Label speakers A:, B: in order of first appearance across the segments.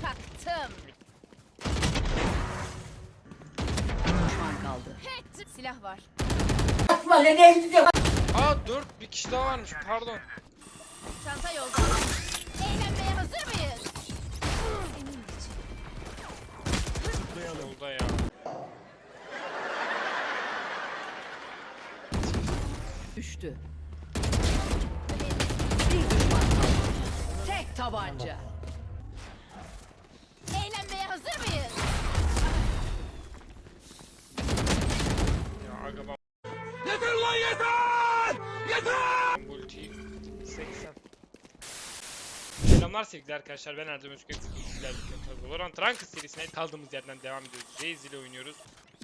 A: Çaktım.
B: Düşman kaldı.
A: Silah var.
C: Aa 4 bir kişi daha varmış pardon.
A: Çanta yolda. Eğlenmeye hazır mıyız? Senin için.
C: Yolda ya.
B: Düştü. Bir düşman kaldı. Tek tabanca.
A: Eğlenmeye hazır mıyız?
C: Ya aga ben... Yeter lan yeter! Yeter! Multi 80. Selamlar sevgili arkadaşlar, ben Erdem Özgür. Valorant Ranked serisine kaldığımız yerden devam ediyoruz. Raze ile oynuyoruz.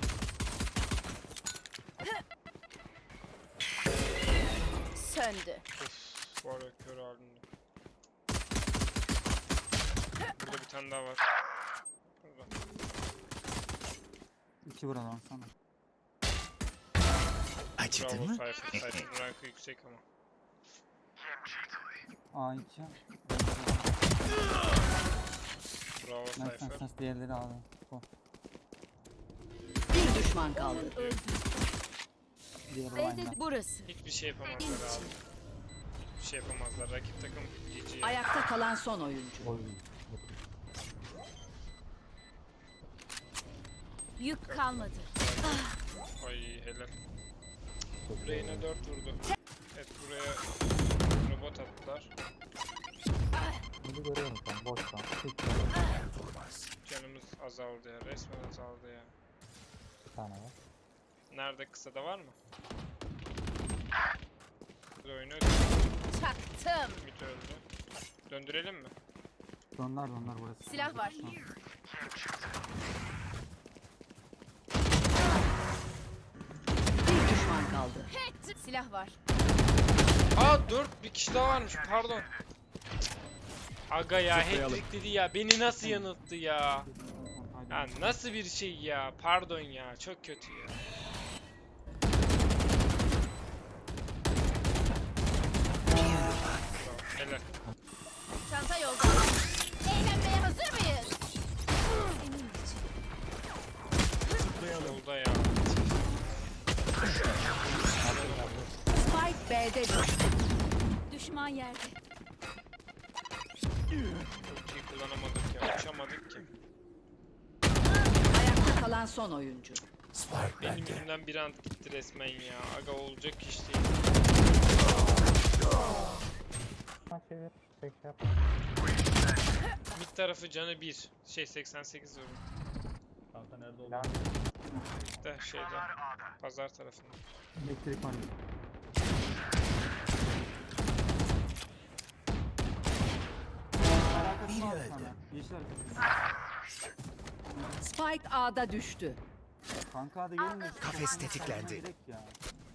A: Söndü.
C: Of, var ya kör halinde. Burada bir tane daha var. Burada.
D: İki buradan sana.
C: Acıdı mı? Cypher rankı yüksek ama.
D: A2.
C: Bravo
D: Neyse
C: Cypher.
D: ses diğerleri aldı. Bu.
B: Bir düşman kaldı.
D: Diğer olayla.
A: Burası.
C: Hiçbir şey yapamazlar abi. Hiçbir şey yapamazlar. Rakip takım GG.
B: Ayakta kalan son oyuncu.
A: Yük kalmadı.
C: Ay helal. Reyna 4 vurdu. Evet buraya robot attılar.
D: Bunu görüyorum sen boştan.
C: Canımız azaldı ya. Resmen azaldı ya.
D: Bir tane var.
C: Nerede kısada var mı? Bir oyunu
A: Çaktım.
C: mid öldü. Döndürelim mi?
D: Dönder burası.
A: Silah var.
B: Bir düşman kaldı.
A: Silah var.
C: Aa 4 bir kişi daha varmış pardon. Aga ya hat-trick dedi ya, beni nasıl yanılttı ya. Ya nasıl bir şey ya, pardon ya, çok kötü ya. Helal.
A: Çanta yolda. Eğlenmeye hazır mıyız? Senin için.
C: Yolda ya.
B: Spike B'de düştü.
A: Düşman yerde.
C: Ultiyi kullanamadık ya, uçamadık ki.
B: Ayakta kalan son oyuncu.
C: Benim yüzümden bir ant gitti resmen ya. Aga olacak iş değil. Mid tarafı canı 1. Şey 88 vurdu.
D: Kanka nerede oldu?
C: De şeyde. Pazar tarafında.
D: Elektrik var. Biri öldü. Yeşil arkası.
B: Spike A'da düştü.
D: Kanka hadi gelin de.
E: Kafes tetiklendi.
D: Direkt ya.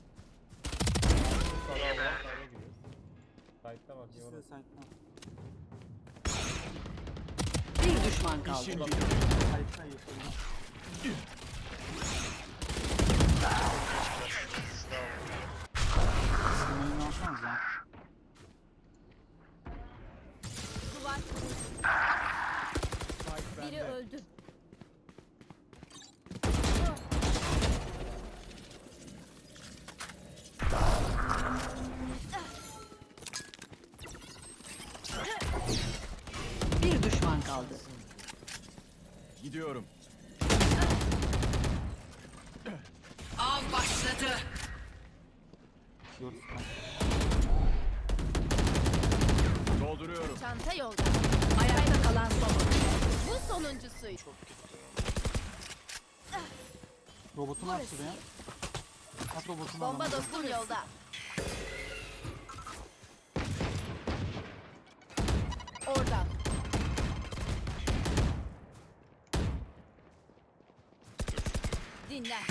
C: Bravo.
D: Site'da bak. İkisi de site'da.
B: Bir düşman kaldı.
D: Site'da yeşil. Sınırını alsanız ya.
A: Duvar. Biri öldü.
B: Bir düşman kaldı.
E: Gidiyorum.
B: Av başladı.
D: Diyoruz.
E: Dolduruyorum.
A: Çanta yolda.
B: Ayakta kalan son oyuncu.
A: Bu sonuncusuydu.
C: Çok gitti.
D: Robotunu at şuraya. At robotunu.
A: Bomba
D: adamı.
A: dostum yolda. Orada. Dinle.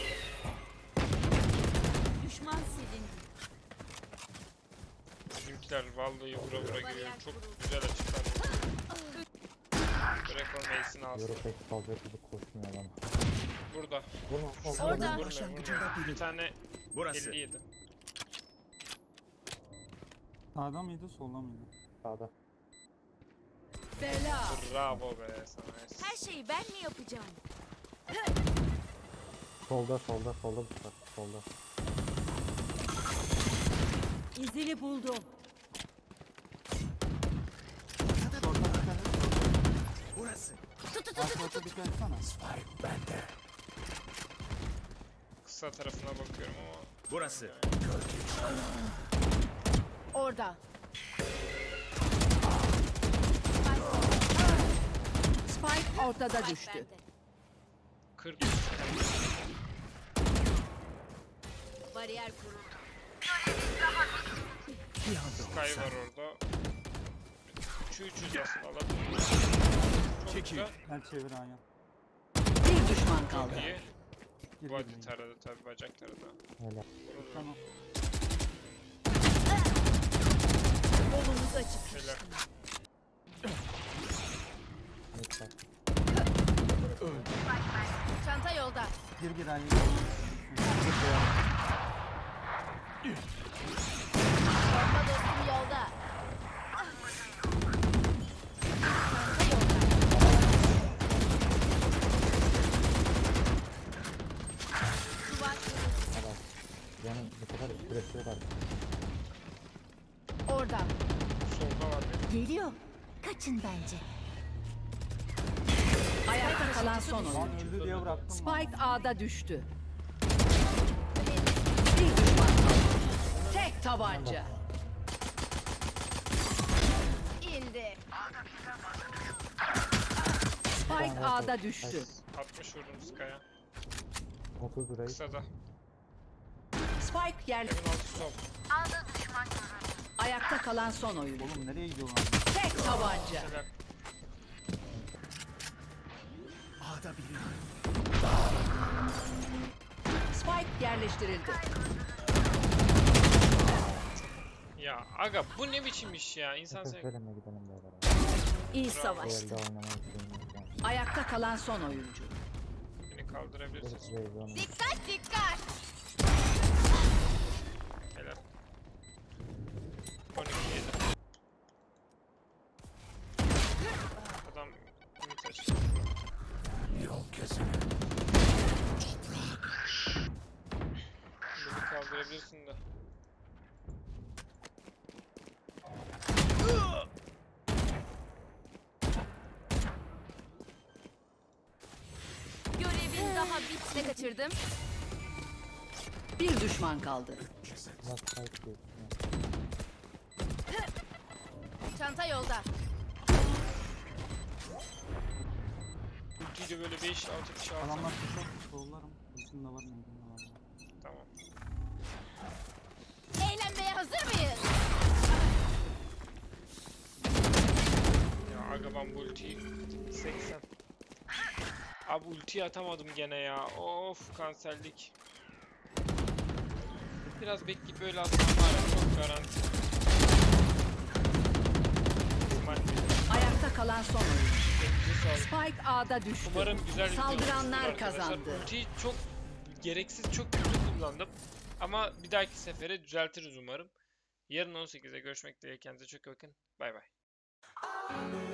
A: Düşman silindi.
C: Bizimkiler vallahi vura vura geliyor. Çok güzel açıklar. Rekor Mace'ini alsın.
F: Pek fazla hızlı koşmuyor adam.
C: Burada.
A: Orada.
C: Vurmuyor. Bir tane
E: Burası.
C: 57.
D: Sağda mıydı solda mıydı?
F: Sağda.
B: Bela.
C: Bravo be sana.
A: Her şeyi ben mi yapacağım?
F: Solda bıçak. Solda.
B: İzini buldum.
D: Şorta dikkat et.
E: Burası.
D: Şorta dikkat etsene.
E: Spike bende.
C: Kısa tarafına bakıyorum ama.
E: Burası.
A: Orada.
B: Spike ortada düştü.
A: Bende.
C: 40.
A: Bariyer kuruldu.
C: Sky var orada. 300 aslında alabiliriz. Çok
E: Çekil.
C: güzel.
D: Gel çevir aynen.
B: Bir düşman kaldı.
C: Çok iyi.
D: Gir
C: Body
D: gir.
C: taradı tabi bacakları da.
F: Helal.
C: Vurur.
D: Tamam.
A: Kolumuz açık.
C: Helal.
F: Lütfen.
A: Çanta yolda.
D: Gir aynen.
A: Bomba dostum yolda. Çanta yolda. Duvar kırıldı.
F: Helal. Yani bu sefer süresi var.
A: Orada.
C: Solda var benim.
A: Geliyor. Kaçın bence.
B: Ayakta kalan son
D: Lan
B: oyuncu.
D: öldü diye bıraktım.
B: Spike A'da düştü. Bir düşman kaldı. Tek tabanca.
A: İndi.
B: Spike A'da düştü.
C: 60 vurdum Sky'a.
F: 30 lirayı.
C: Kısada.
B: Spike yer.
C: Evin altı sol.
B: Ayakta kalan son oyuncu.
D: Oğlum nereye gidiyorsun abi?
B: Tek tabanca.
C: Helal.
E: A'da biri.
B: Spike yerleştirildi.
C: Ya aga bu ne biçim iş ya? İnsan
F: Sakın
C: sev...
F: söyleme gidelim beraber.
A: İyi
F: Bu
A: savaştın.
F: elde oynamayı sevmiyorum şu an.
B: Ayakta kalan son oyuncu.
C: Beni kaldırabilirsin.
F: Sırf Zeyzon'un.
A: Dikkat dikkat.
C: Helal. 12 yedi. Adam ümit açtı.
E: Yol kesene.
C: Beni kaldırabilirsin de.
A: Görevin daha bitne kaçırdım.
B: Bir düşman kaldı.
F: Last fight diyorsun.
A: Çanta yolda.
C: Ultiyle böyle 5-6 kişi alsam.
D: Adamlar kuşak sollarım. Üstünde var mı? Var mı?
C: Tamam.
A: Eğlenmeye hazır mıyız?
C: Ya aga ben bu ultiyi 80. Abi ultiyi atamadım gene ya. Of kanserlik. Biraz bekleyip böyle atsam var ya çok garanti. İhtimal değil.
B: Ayakta kalan son oyuncu.
C: Elinize sağlık.
B: Spike A'da düştü.
C: Umarım güzel video olmuştur
B: Saldıranlar
C: arkadaşlar.
B: kazandı.
C: Ultiyi çok gereksiz çok kötü kullandım. Ama bir dahaki sefere düzeltiriz umarım. Yarın 18'de görüşmek dileğiyle. Kendinize çok iyi bakın. Bay bay.